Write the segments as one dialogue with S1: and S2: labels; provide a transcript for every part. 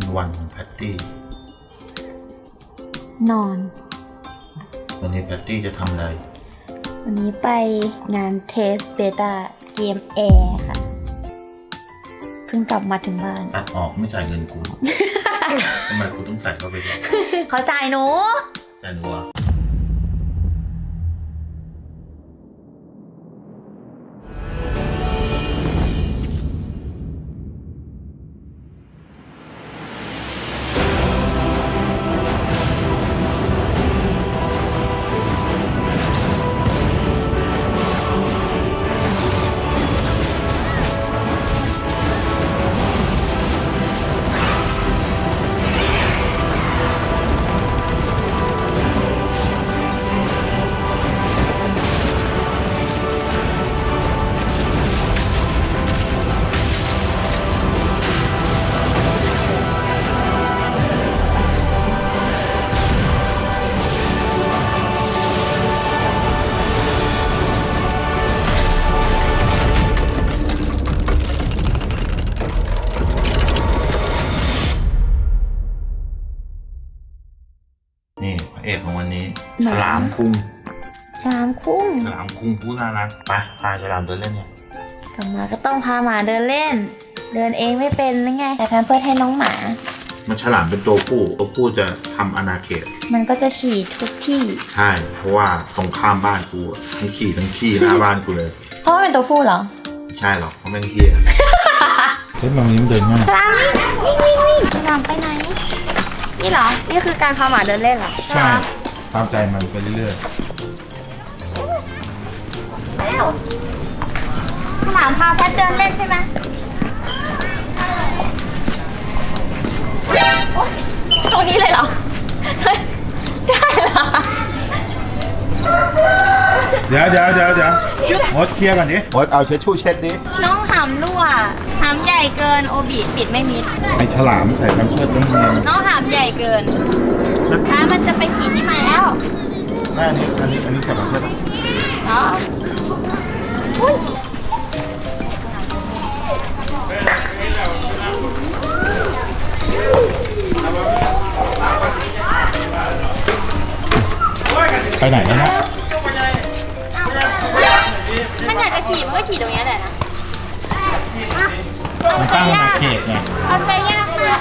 S1: วันของแพตตี้
S2: นอน
S1: วันนี้แพตตี้จะทำอะไร
S2: วันนี้ไปงานเทสเบต้าเกมแอร์ค่ะ เพิ่งกลับมาถึงบ้าน
S1: ตัดออกไม่จ่ายเงินกู ทำไมกูต้องใส่เข้าไปด้วย
S2: เขาจ่ายหนู
S1: จ่ายหนูอ่ะนี่พระเอกของวันนี้ฉลามคุ้ง
S2: ฉลามคุ้ง
S1: ผู้น่ารักไปพาฉลามเดินเล่นเนี่ย
S2: กลับมาก็ต้องพาหมาเดินเล่น เดินเองไม่เป็นหรือไงแต่แพมเพิร์สให้น้องหมา
S1: มันฉลามเป็นตัวผู้จะทำอาณาเขต
S2: มันก็จะฉี่ทุกที่
S1: ใช่เพราะว่าตรงข้ามบ้านกูมีขี่ทั้งขี้หน้าบ้านกูเลย
S2: เพราะว่าเป็นตัวผู้เหรอ
S1: ไม่ใช่หรอกเพราะมันเหี้ยเฮ้ยมันเดินง่าย
S2: ฉลามวิ่งฉลามไปไหนนี่เหรอนี่คือการพาหมาเดินเล่นเหรอ
S1: ใช่ตามใจมันไปเรื่อย
S2: ๆแล้วฉลามพาแพทเดินเล่นใช่ไหมตรงนี้เลยเหรอได้เหรอ
S1: เดี๋ยวมดเคลียร์ก่อนดิมดเอาเช็ดชู่เช็ดดิ
S2: น้องหำรั่วหำใหญ่เกินโอบิปิดไม่มิด
S1: ไอฉลามใส่แพมเพิร์สต้องเนียน
S2: น้องหำใหญ่เกินถ้ามันจะไปขี่ที่ไหนแล้ว
S1: อันนี้ใส่แพมเพิร์ส
S2: เหรออุ้ย
S1: ไปไหนแล้วนะ
S2: มันอยากจะฉี่มันก็ฉี่ตรงนี้แหละนะ
S1: มันตั้งอาณาเขตไง
S2: เอาใจยากมาก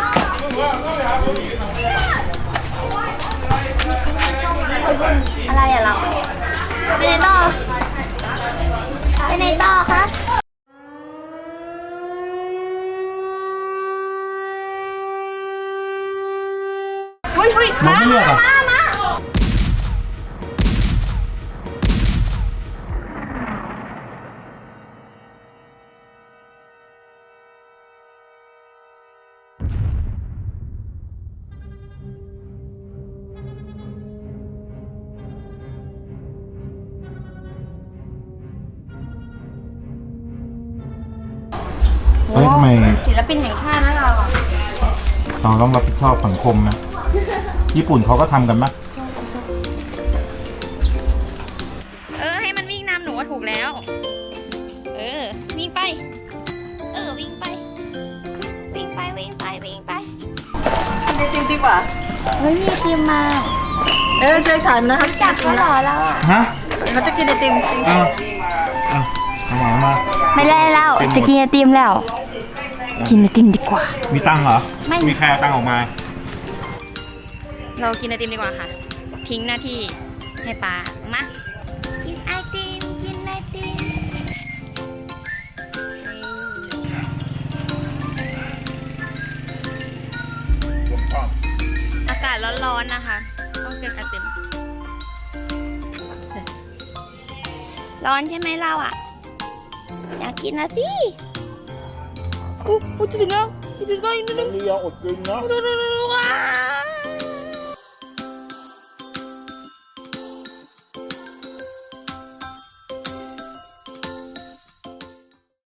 S2: อะไรอะเราไปไหนต่อคะหุ้ยมา
S1: ทำไม
S2: ศิลปินแห่งชาตินะเรา
S1: ต้องรับผิดชอบสังคมนะญี่ปุ่นเขาก็ทำกันมั้ย
S2: ให้มันวิ่งนำหนูว่าถูกแล้ววิ่งไปวิ่งไป
S3: กินไอติมดีกว่า
S2: มีไอติมมา
S3: ใจถ่ายนะครับ
S2: จับเขาหรอเรา
S1: ฮะ
S3: เราจะกินไอติมจริง
S1: เอามา
S2: ไม่ได้แล้วจะกินไอติมแล้วกินไอติมดีกว่า
S1: มีตังเหรอไม่มีใครเอาตังออกมา
S2: เรากินไอติมดีกว่าค่ะทิ้งหน้าที่ให้ปลามากินไอติมอากาศร้อนๆนะคะต้องกินไอติมร้อนใช่ไหมเราอ่ะอยากกินนะสิจะถึงแล้วอีกนิดนึง
S1: นี่ยังอดกินนะ
S2: ว้าว